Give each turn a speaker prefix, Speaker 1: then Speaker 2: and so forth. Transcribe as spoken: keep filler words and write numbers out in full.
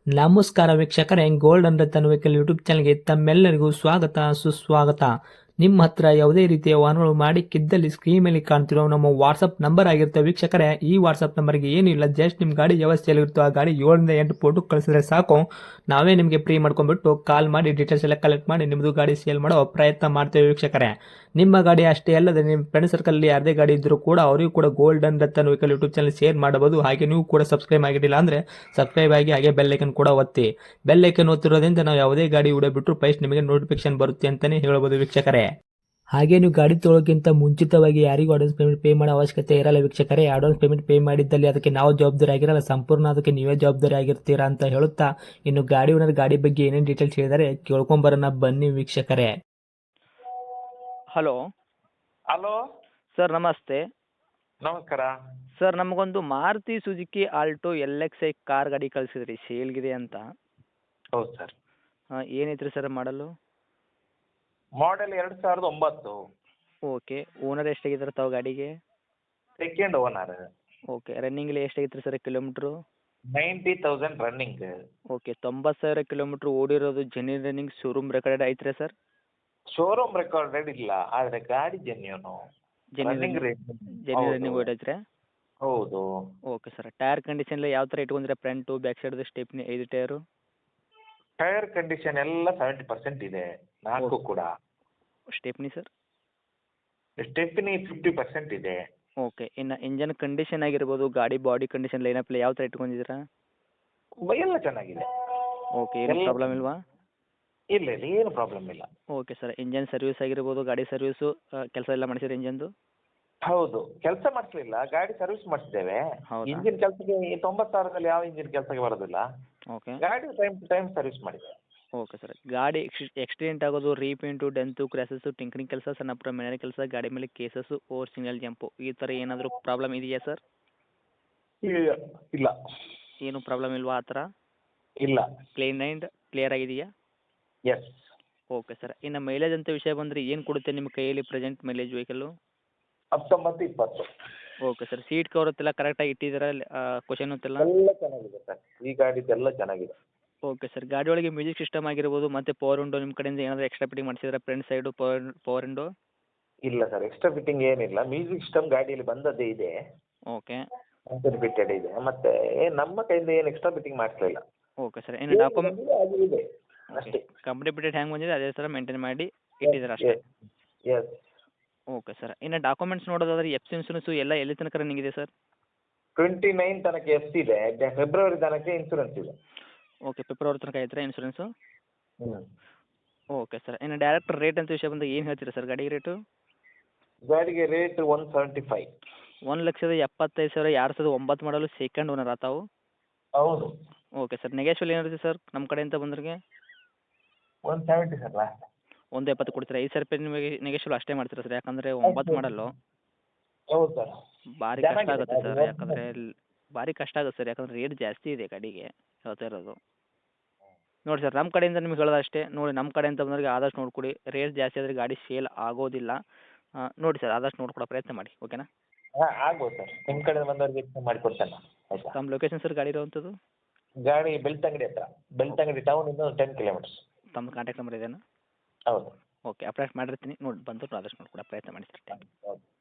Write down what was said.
Speaker 1: ನಮಸ್ಕಾರ ವೀಕ್ಷಕರೇ, gold and Ratan vehicle YouTube ಚಾನಲ್ಗೆ ತಮ್ಮೆಲ್ಲರಿಗೂ ಸ್ವಾಗತ ಸುಸ್ವಾಗತ. ನಿಮ್ಮ ಹತ್ರ ಯಾವುದೇ ರೀತಿಯ ವಾಹನಗಳು ಮಾಡಿಕ್ಕಿದ್ದಲ್ಲಿ ಸ್ಕ್ರೀನ್ ಮೇಲೆ ಕಾಣ್ತಿರೋ ನಮ್ಮ ವಾಟ್ಸಪ್ ನಂಬರ್ ಆಗಿರುತ್ತೆ ವೀಕ್ಷಕರೇ. ಈ ವಾಟ್ಸಪ್ ನಂಬರ್ಗೆ ಏನಿಲ್ಲ, ಜಸ್ಟ್ ನಿಮ್ಮ ಗಾಡಿ ವ್ಯವಸ್ಥೆಯಲ್ಲಿರುತ್ತೋ ಆ ಗಾಡಿ ಏಳರಿಂದ ಎಂಟು ಫೋಟೋ ಕಳಿಸಿದ್ರೆ ಸಾಕು, ನಾವೇ ನಿಮಗೆ ಫ್ರೀ ಮಾಡ್ಕೊಂಡ್ಬಿಟ್ಟು ಕಾಲ್ ಮಾಡಿ ಡೀಟೇಲ್ಸ್ ಎಲ್ಲ ಕಲೆಕ್ಟ್ ಮಾಡಿ ನಿಮ್ಮದು ಗಾಡಿ ಸೇಲ್ ಮಾಡೋ ಪ್ರಯತ್ನ ಮಾಡ್ತೇವೆ ವೀಕ್ಷಕರೇ. ನಿಮ್ಮ ಗಾಡಿ ಅಷ್ಟೇ ಅಲ್ಲದೆ ನಿಮ್ಮ ಫ್ರೆಂಡ್ ಸರ್ಕಲಲ್ಲಿ ಯಾರದೇ ಗಾಡಿ ಇದ್ದರೂ ಕೂಡ ಅವರಿಗೂ ಕೂಡ gold and Ratan vehicle YouTube channel share ಮಾಡಬಹುದು. ಹಾಗೆ ನೀವು ಕೂಡ ಸಬ್ಸ್ಕ್ರೈಬ್ ಆಗಿರಲಿಲ್ಲ ಅಂದರೆ ಸಬ್ಸ್ಕ್ರೈಬ್ ಆಗಿ ಹಾಗೆ ಬೆಲ್ ಐಕನ್ ಕೂಡ ಒತ್ತಿ. ಬೆಲ್ ಐಕನ್ ಒತ್ತಿರೋದ್ರಿಂದ ನಾವು ಯಾವುದೇ ಗಾಡಿ ವಿಡಿಯೋ ಬಿಟ್ಟರು ಫಸ್ಟ್ ನಿಮಗೆ ನೋಟಿಫಿಕೇಶನ್ ಬರುತ್ತೆ ಅಂತಲೇ ಹೇಳ್ಬೋದು ವೀಕ್ಷಕರೇ. ಹಾಗೆ ನೀವು ಗಾಡಿ ತೊಳೋಕ್ಕಿಂತ ಮುಂಚಿತವಾಗಿ ಯಾರಿಗೂ ಅಡ್ವಾನ್ಸ್ ಪೇಮೆಂಟ್ ಪೇ ಮಾಡೋ ಅವಶ್ಯಕತೆ ಇರಲ್ಲ ವೀಕ್ಷಕರೇ. ಅಡ್ವಾನ್ಸ್ ಪೇಮೆಂಟ್ ಪೇ ಮಾಡಿದ್ದಲ್ಲಿ ಅದಕ್ಕೆ ನಾವು ಜವಾಬ್ದಾರಿ ಆಗಿರಲ್ಲ, ಸಂಪೂರ್ಣ ಅದಕ್ಕೆ ನೀವೇ ಜವಾಬ್ದಾರಿ ಆಗಿರ್ತೀರಾ ಅಂತ ಹೇಳುತ್ತಾ, ಇನ್ನು ಗಾಡಿ ಓನರ್ ಗಾಡಿ ಬಗ್ಗೆ ಏನೇನು ಡೀಟೇಲ್ಸ್ ಹೇಳಿದರೆ ಕೇಳ್ಕೊಂಬರೋಣ ಬನ್ನಿ ವೀಕ್ಷಕರೇ.
Speaker 2: ಹಲೋ
Speaker 3: ಹಲೋ
Speaker 2: ಸರ್, ನಮಸ್ತೆ
Speaker 3: ನಮಸ್ಕಾರ.
Speaker 2: ಸರ್. ನಮಗೊಂದು Maruti Suzuki Alto L X I car ಗಾಡಿ ಕಳಿಸಿದ್ರಿ, ಸೇಲ್ಗಿದೆ ಅಂತ.
Speaker 3: ಹೌದು ಸರ್.
Speaker 2: ಹಾಂ, ಏನೈತ್ರಿ ಸರ್ ಮಾಡಲು?
Speaker 3: ಮಾಡೆಲ್ ಎರಡು ಸಾವಿರದ ಒಂಬತ್ತು.
Speaker 2: ಓಕೆ. ಓನರ್ ಎಷ್ಟಾಗಿದ್ದಾರೆ ತಾವು ಗಾಡಿಗೆ?
Speaker 3: Second owner.
Speaker 2: ಓಕೆ. ರನ್ನಿಂಗಲ್ಲಿ ಎಷ್ಟಾಗಿತ್ತು sir kilometre?
Speaker 3: Ninety thousand running.
Speaker 2: Okay. ತೊಂಬತ್ತು ಸಾವಿರ ಕಿಲೋಮೀಟ್ರ್ ಓಡಿರೋದು ಜೆನ್ಯೂನ್ ರನ್ನಿಂಗ್, ಶೋರೂಮ್ ರೆಕಾರ್ಡೆಡ್ ಐತ್ರಿ ಸರ್?
Speaker 3: ಶೋರೂಮ್ ರೆಕಾರ್ಡೆಡ್ ಇಲ್ಲ, ಆದರೆ ಗಾಡಿ genuine. Running rate
Speaker 2: genuine running ಓಡೈತ್ರಿ?
Speaker 3: ಹೌದು.
Speaker 2: Okay sir. ಟೈರ್ ಕಂಡೀಷನ್ ಯಾವ ಥರ ಇಟ್ಕೊಂಡ್ರೆ? ಫ್ರಂಟು ಬ್ಯಾಕ್ ಸೈಡ್ದು ಸ್ಟೆಪ್ನಿ ಐದು ಟೈರು?
Speaker 3: ಟೈರ್ ಕಂಡೀಷನ್ ಎಲ್ಲ ಸೆವೆಂಟಿ ಪರ್ಸೆಂಟ್ ಇದೆ, ನಾಲ್ಕು ಕೂಡ.
Speaker 2: Stepney sir?
Speaker 3: Stepney fifty percent ಇದೆ.
Speaker 2: ಓಕೆ. ಇನ್ನು ಇಂಜನ್ ಕಂಡೀಷನ್ ಆಗಿರ್ಬೋದು, ಗಾಡಿ ಬಾಡಿ ಕಂಡೀಷನ್, ಲೈನಪ್ ಯಾವ ಥರ ಇಟ್ಕೊಂಡಿದ್ದೀರಾ?
Speaker 3: ಎಲ್ಲ ಚೆನ್ನಾಗಿದೆ.
Speaker 2: ಓಕೆ. ಏನು
Speaker 3: ಎಲ್ಲ-
Speaker 2: ಪ್ರಾಬ್ಲಮ್ ಇಲ್ವಾ?
Speaker 3: ಇಲ್ಲ ಇಲ್ಲ, ಏನು ಪ್ರಾಬ್ಲಮ್ ಇಲ್ಲ.
Speaker 2: Okay sir. ಇಂಜನ್ ಸರ್ವಿಸ್ ಆಗಿರ್ಬೋದು, ಗಾಡಿ ಸರ್ವಿಸು ಕೆಲಸ ಎಲ್ಲ ಮಾಡಿಸಿರಿ ಇಂಜನ್ದು?
Speaker 3: ಹೌದು, ಕೆಲಸ ಮಾಡಿಸ್ಲಿಲ್ಲ, ಗಾಡಿ ಸರ್ವಿಸ್ ಮಾಡಿಸಿದ್ದೇವೆ.
Speaker 2: ಹೌದಾ?
Speaker 3: ಇಂಜಿನ್ ಕೆಲಸಕ್ಕೆ ತೊಂಬತ್ತು ಸಾವಿರದಲ್ಲಿ ಯಾವ ಇಂಜಿನ್ ಕೆಲಸಕ್ಕೆ ಬರೋದಿಲ್ಲ.
Speaker 2: ಓಕೆ.
Speaker 3: ಗಾಡಿ ಟೈಮ್ ಟು ಟೈಮ್ ಸರ್ವಿಸ್ ಮಾಡಿದೆ.
Speaker 2: Okay sir. ಗಾಡಿ ಎಕ್ಸ್ ಎಕ್ಸಿಡೆಂಟ್ ಆಗೋದು, ರೀಪೇಂಟು, ಡೆಂತು, ಕ್ರ್ಯಾಸಸ್ಸು, ಟಿಂಕರಿಂಗ್ ಕೆಲಸ, ಸಣ್ಣ ಪುಟ್ಟ ಮನೆ ಕೆಲಸ, ಗಾಡಿ ಮೇಲೆ ಕೇಸಸ್ಸು, ಓವರ್ ಸಿಂಗಲ್ ಜಂಪು, ಈ ಥರ ಏನಾದರೂ ಪ್ರಾಬ್ಲಮ್ ಇದೆಯಾ ಸರ್?
Speaker 3: ಇಲ್ಲ ಇಲ್ಲ
Speaker 2: ಏನು ಪ್ರಾಬ್ಲಮ್ ಇಲ್ವಾ ಆ ಥರ?
Speaker 3: ಇಲ್ಲ.
Speaker 2: ಕ್ಲೀನ್ ಆ್ಯಂಡ್ ಕ್ಲಿಯರ್ ಆಗಿದೆಯಾ?
Speaker 3: ಎಸ್.
Speaker 2: Okay sir. ಇನ್ನು ಮೈಲೇಜ್ ಅಂತ ವಿಷಯ ಬಂದರೆ ಏನು ಕೊಡುತ್ತೆ ನಿಮ್ಮ ಕೈಯಲ್ಲಿ ಪ್ರೆಸೆಂಟ್ ಮೈಲೇಜ್ ವೆಹಿಕಲ್ಲು?
Speaker 3: ಹತ್ತೊಂಬತ್ತು ಇಪ್ಪತ್ತು.
Speaker 2: Okay sir. ಸೀಟ್ ಕವರ್ ಎಲ್ಲ ಕರೆಕ್ಟಾಗಿ ಇಟ್ಟಿದ್ದೀರಾ? ಕ್ವಶನ್ ಅಂತೆಲ್ಲ
Speaker 3: ಎಲ್ಲ ಚೆನ್ನಾಗಿದೆ ಸರ್, ಈ ಗಾಡಿದೆಲ್ಲ ಚೆನ್ನಾಗಿದೆ.
Speaker 2: Okay sir. ಗಾಡಿ ಒಳಗೆ ಮ್ಯೂಸಿಕ್ ಸಿಸ್ಟಮ್ ಆಗಿರ್ಬೋದು, ಮತ್ತು ಪವರ್ ವಿಂಡೋ ನಿಮ್ಮ ಕಡೆಯಿಂದ ಏನಾದರೂ ಎಕ್ಸ್ಟ್ರಾ ಫಿಟ್ಟಿಂಗ್ ಮಾಡಿಸಿದ್ರೆ? Front side power power window?
Speaker 3: ಇಲ್ಲ ಸರ್, ಎಕ್ಸ್ಟ್ರಾ ಫಿಟ್ಟಿಂಗ್ ಏನಿಲ್ಲ. ಮ್ಯೂಸಿಕ್ ಸಿಸ್ಟಮ್ ಗಾಡಿಯಲ್ಲಿ ಬಂದದ್ದೇ ಇದೆ,
Speaker 2: ಓಕೆ.
Speaker 3: ಫಿಟ್ಟೆಡ್ ಇದೆ. ಮತ್ತೆ ನಮ್ಮ ಕೈಯಿಂದ ಏನು ಎಕ್ಸ್ಟ್ರಾ ಫಿಟ್ಟಿಂಗ್ ಮಾಡಿಸಲಿಲ್ಲ.
Speaker 2: Okay sir. ಇನ್ನು ಡಾಕ್ಯುಮೆಂಟ್
Speaker 3: ಇದೆ ಅಷ್ಟೇ.
Speaker 2: ಕಂಪ್ನಿ ಬಿಟ್ಟೆಡ್ ಹ್ಯಾಂಗೆ ಬಂದಿದೆ ಅದೇ ಥರ ಮೇಂಟೈನ್ ಮಾಡಿ ಇಟ್ಟಿದ್ದೀರಾ ಅಷ್ಟೇ?
Speaker 3: ಎಸ್.
Speaker 2: Okay sir. ಇನ್ನು ಡಾಕ್ಯುಮೆಂಟ್ಸ್ ನೋಡೋದಾದ್ರೆ ಎಫ್ ಸಿ ಇನ್ಸೂರೆನ್ಸು ಎಲ್ಲ ಎಲ್ಲಿ ತನಕ ರನ್ನಿಂಗ್ ಇದೆ ಸರ್?
Speaker 3: ಟ್ವೆಂಟಿ ನೈನ್ ತನಕ ಎಫ್ ಇದೆ, ಫೆಬ್ರವರಿ ತನಕ ಇನ್ಸೂರೆನ್ಸ್ ಇದೆ.
Speaker 2: ಓಕೆ. ಫೆಬ್ರವರಿ ತನಕ ಐತ್ರಾ ಇನ್ಸೂರೆನ್ಸು?
Speaker 3: ಹ್ಞೂ.
Speaker 2: Okay sir. ಇನ್ನು ಡೈರೆಕ್ಟ್ ರೇಟ್ ಅಂತ ವಿಷಯ ಬಂದಾಗ ಏನು ಹೇಳ್ತೀರಾ ಸರ್ ಗಾಡಿ ರೇಟು?
Speaker 3: ಗಾಡಿಗೆ ರೇಟ್ ಒನ್ ಸೆವೆಂಟಿ ಫೈವ್.
Speaker 2: ಒಂದು ಲಕ್ಷದ ಎಪ್ಪತ್ತೈದು ಸಾವಿರ, ಎರಡು ಸಾವಿರದ ಒಂಬತ್ತು ಮಾಡಲು, ಸೆಕೆಂಡ್ ಓನರ್ ಆತಾವು?
Speaker 3: ಹೌದು.
Speaker 2: Okay sir. ನೆಗೆಶ್ವಲ್ ಏನಿರುತ್ತೆ ಸರ್ ನಮ್ಮ ಕಡೆಯಿಂದ ಬಂದ್ರಿಗೆ?
Speaker 3: One seventy sir last.
Speaker 2: ಒಂದು ಎಪ್ಪತ್ತು ಕೊಡ್ತೀರಾ? ಐದು ಸಾವಿರ ರೂಪಾಯಿ ನಿಮಗೆ ನೆಗೆಶ್ವಲ್ ಅಷ್ಟೇ ಮಾಡ್ತೀರಾ ಸರ್? ಯಾಕಂದರೆ ಒಂಬತ್ತು ಮಾಡಲು
Speaker 3: ಹೌದು ಸರ್.
Speaker 2: ಭಾರಿ ಕಷ್ಟ ಆಗುತ್ತೆ ಸರ್, ಯಾಕಂದರೆ ಭಾರಿ ಕಷ್ಟ ಆಗುತ್ತೆ ಸರ್, ಯಾಕಂದರೆ ರೇಟ್ ಜಾಸ್ತಿ ಇದೆ ಗಾಡಿಗೆ ಹೇಳ್ತಾ ಇರೋದು. ನೋಡಿ ಸರ್, ನಮ್ಮ ಕಡೆಯಿಂದ ನಿಮ್ಗೆ ಹೇಳೋದು ಅಷ್ಟೇ. ನೋಡಿ, ನಮ್ಮ ಕಡೆಯಿಂದ ಬಂದವರಿಗೆ ಆದಷ್ಟು ನೋಡಿಕೊಡಿ. ರೇಟ್ ಜಾಸ್ತಿ ಆದರೆ ಗಾಡಿ ಸೇಲ್ ಆಗೋದಿಲ್ಲ. ನೋಡಿ ಸರ್, ಆದಷ್ಟು ನೋಡ್ಕೊಡೋ ಪ್ರಯತ್ನ ಮಾಡಿ, ಓಕೆನಾ?
Speaker 3: ಹಾಂ, ಆಗ್ಬೋದು ಸರ್. ನಿಮ್ಮ ಕಡೆ ಬಂದವ್ರಿಗೆ ಹೆಚ್ಚು ಮಾಡಿಕೊಡ್ತೇನೆ. ಆಯಿತಾ?
Speaker 2: ತಮ್ಮ ಲೊಕೇಶನ್ ಸರ್ ಗಾಡಿ ಇರುವಂಥದ್ದು?
Speaker 3: ಗಾಡಿ ಬೆಳ್ತಂಗಡಿ ಹತ್ರ, ಬೆಳ್ತಂಗಡಿ ಟೌನಿಂದ ಟೆನ್ ಕಿಲೋಮೀಟರ್ಸ್.
Speaker 2: ತಮ್ಮ ಕಾಂಟ್ಯಾಕ್ಟ್ ನಂಬರ್ ಇದೇನಾ?
Speaker 3: ಹೌದು.
Speaker 2: ಓಕೆ. ಅಪ್ಡೇಟ್ ಮಾಡಿರ್ತೀನಿ, ನೋಡಿ ಬಂದು ಆದಷ್ಟು ನೋಡ್ಕೊಡೋ ಪ್ರಯತ್ನ ಮಾಡಿ ಸರ್. Thank you.
Speaker 3: ಹೌದು.